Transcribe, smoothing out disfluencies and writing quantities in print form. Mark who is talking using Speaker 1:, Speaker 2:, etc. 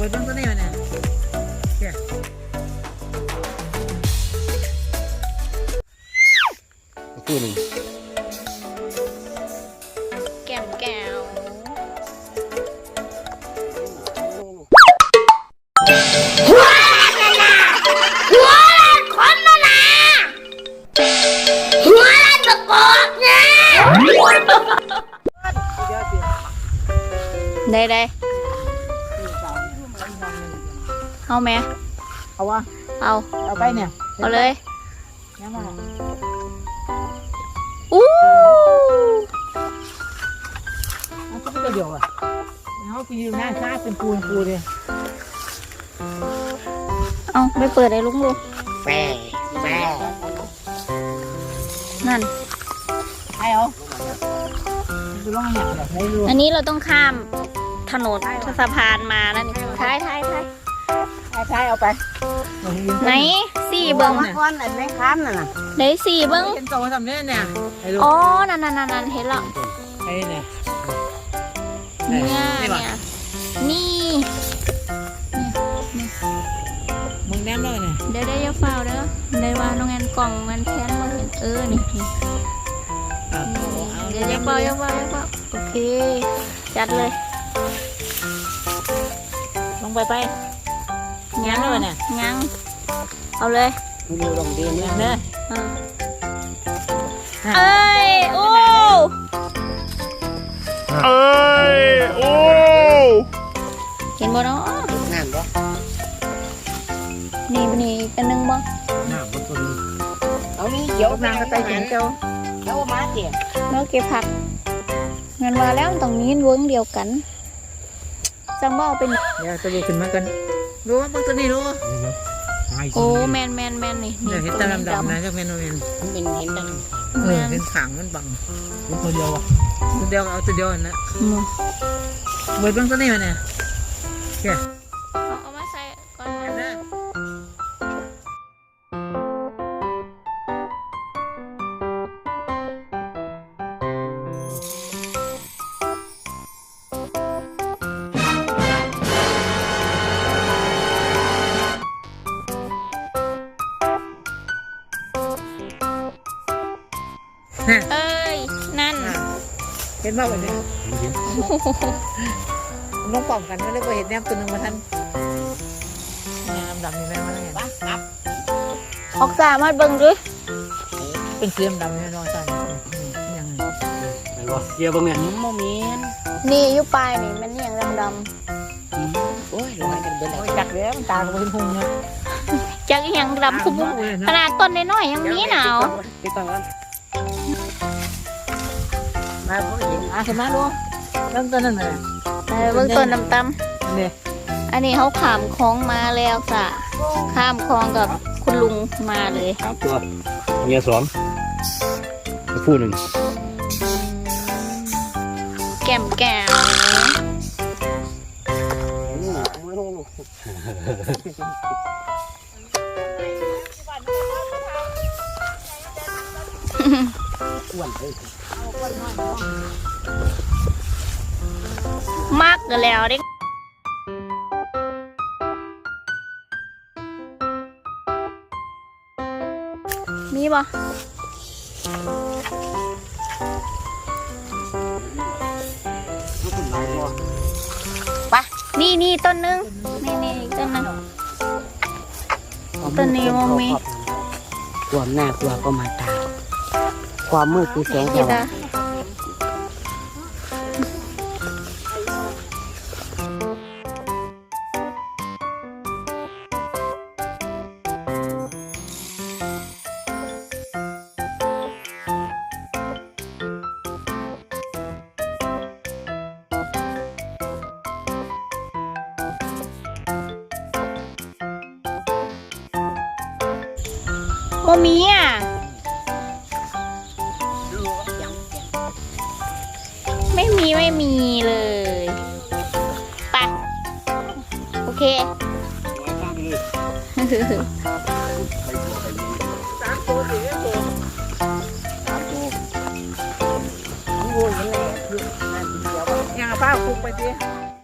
Speaker 1: ดบ้างตัวนี้มันเนี่ย
Speaker 2: คู่หนึ่ง
Speaker 3: แก้มแก้วหัวคนละนะหัวละตะกอกเนี่ยได้เอาไหม
Speaker 1: เอาวะเอาไปเนี่ย
Speaker 3: เอาเลย
Speaker 1: ยังมา
Speaker 3: อู้
Speaker 1: เอาก็ไม่เดียวอ่ะเขาไปยืนหน้าซ่าเป็นปูเลย
Speaker 3: เอาไปเปิดไอ้ลุงดู
Speaker 2: แฝ
Speaker 3: นั่น
Speaker 1: ไอ้เอาคือร้องอย่างไรไม่รู้
Speaker 3: อันนี้เราต้องข้ามถนนสะพานมาแล้วนี่ท้าย
Speaker 1: เอาไป
Speaker 3: ไหนสี่เบิ้ง
Speaker 1: ก้อนไหนไม่ค้ามน่ะ
Speaker 3: ไหนสี่เบิ้ง
Speaker 1: เห็นโตทำเนี่ย
Speaker 3: อ๋อนั่นเห็นแล้ว
Speaker 1: ไอ้เนี่ย
Speaker 3: นี่
Speaker 1: มึงแนมเลยเนี่ย
Speaker 3: เดี๋ยวอย่าเฝ้าเด้อได้ว่าน้องแอนกล่องมันแค้นมาเห็นนี่เดี๋ยวอย่าเฝ้าโอเคจัดเลย
Speaker 1: ลงไปงั้นเลยเนี่ย
Speaker 3: งั้งเอาเลย
Speaker 2: เร็วลงดีเนี่ย
Speaker 1: เนอะ
Speaker 3: เอ้ยโอ้เห็นบ่เนาะ
Speaker 2: น้ำบ่
Speaker 3: นี่กันนึงบ่
Speaker 1: น้ำบ่ตัวนี้
Speaker 2: เอานี่เดี๋ยวน
Speaker 1: างก็ไปถึงเจ้า
Speaker 2: มาเดี๋ยว
Speaker 3: เราเก็บผักเงินมาแล้วตรงนี้เวิ้งเดียวกันจังบ่เป็น
Speaker 1: เดี๋ยวจะดูขึ้นมากันรู้ว่าตัวนี้รู้
Speaker 3: โอ้แมนนี่
Speaker 1: เดี๋ยวเห็นตาดำนะเจ้าแมน
Speaker 2: มันเป็นเห็นดัง
Speaker 1: เห็นขางมันบังตัวเดียวอ่ะตัวเดียวเอาตัวเดียวนะเบิดบ้างตัวนี้มันเนี่ย
Speaker 3: เอามาใส่ก่อนนะเอ้ยนั่น
Speaker 1: เห็นบ้างวันนี้น้องป่องกันไม่ได้ไปเห็นแนมตัวนึงมาท่านดำนี่แม่มาแล้วไง
Speaker 3: ออกซ่ามาเบิ่งด้วย
Speaker 1: เป็นเสียมดำนี่น้อยจังยัง
Speaker 2: ไงวะเกี่ยวบ้างเนี่ยโมเมน
Speaker 3: นี่อยู่ปลายนี่มันอย่างดำ
Speaker 2: โอ้ยลอยกันเบิดเลย
Speaker 1: จักแล้วมันตาเป็นพุงเนี่ย
Speaker 3: จักอย่างดำคุ้มขนาดต้นน้อยๆยังมีหนาว
Speaker 2: ติดต่อกัน
Speaker 1: มาเขาเห็นขึ้นมาดูเริ่มต้นนั่นเลย
Speaker 3: เบื้องต้นดำ
Speaker 1: เนี่ย
Speaker 3: อันนี้เขาขามคลองมาแล้วจ้ะข้ามคลองกับคุณลุงมาเลย
Speaker 2: ครับตัวเมียสองคู่หนึ่ง
Speaker 3: แก้มแก้วมากกันแล้วดิมีบ่ปะนี่ต้นนึงนี่ต้นนึงต้นนี้มองมี
Speaker 2: ความน่ากลัวก็มาตาความมืดคือแสงสว่าง
Speaker 3: โมมีอ่ะไม่มีเลยไปโอเค
Speaker 1: ยังป้าคุกไปสิ